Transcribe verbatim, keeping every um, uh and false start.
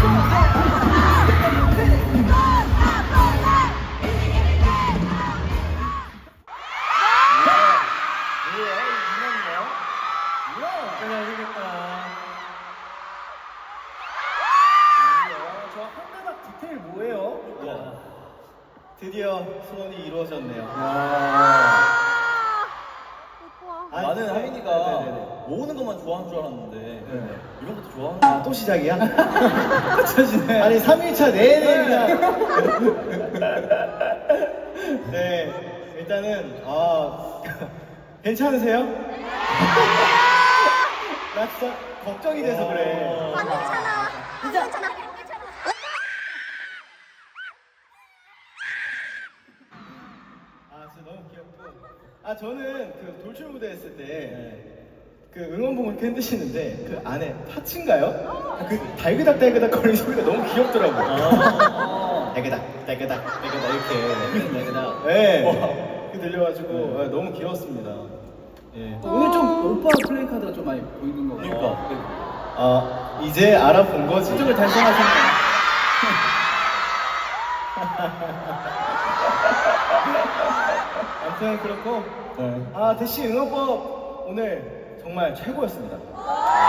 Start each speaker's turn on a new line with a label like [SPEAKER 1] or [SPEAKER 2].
[SPEAKER 1] 드디어 소원이 이루어졌네요.
[SPEAKER 2] 아,
[SPEAKER 1] 아니,
[SPEAKER 3] 나는
[SPEAKER 1] 네,
[SPEAKER 3] 하민이가
[SPEAKER 1] 네네네.
[SPEAKER 3] 모으는 것만 좋아하는 줄 알았는데
[SPEAKER 1] 네.
[SPEAKER 3] 이런 것도 좋아하는
[SPEAKER 1] 아, 또 시작이야?
[SPEAKER 3] 거야.
[SPEAKER 1] 아니 삼 일차 내내 그냥. 네, 일단은 아 괜찮으세요? 나 진짜 걱정이 돼서 그래.
[SPEAKER 2] 안 괜찮아. 안 괜찮아.
[SPEAKER 1] 아 진짜 너무 귀엽고. 아 저는 그 돌출 무대 했을 때 그 응원봉을 이렇게 흔드시는데 그 안에 파츠인가요? 그 달그닥 달그닥 거리는 소리가 너무 귀엽더라고요.
[SPEAKER 3] 아.
[SPEAKER 1] 달그닥 달그닥 달그닥 이렇게.
[SPEAKER 3] 달그닥.
[SPEAKER 1] 네. 그 들려가지고 아, 너무 귀여웠습니다. 예.
[SPEAKER 4] 오늘 좀 오빠 플레이 카드가 좀 많이 보이는 거 같아요.
[SPEAKER 3] 그러니까.
[SPEAKER 1] 아 이제 알아본 거지.
[SPEAKER 4] 목적을 달성하셨네요.
[SPEAKER 1] 아무튼 그렇고
[SPEAKER 3] 네.
[SPEAKER 1] 아 대시 응원법 오늘 정말 최고였습니다.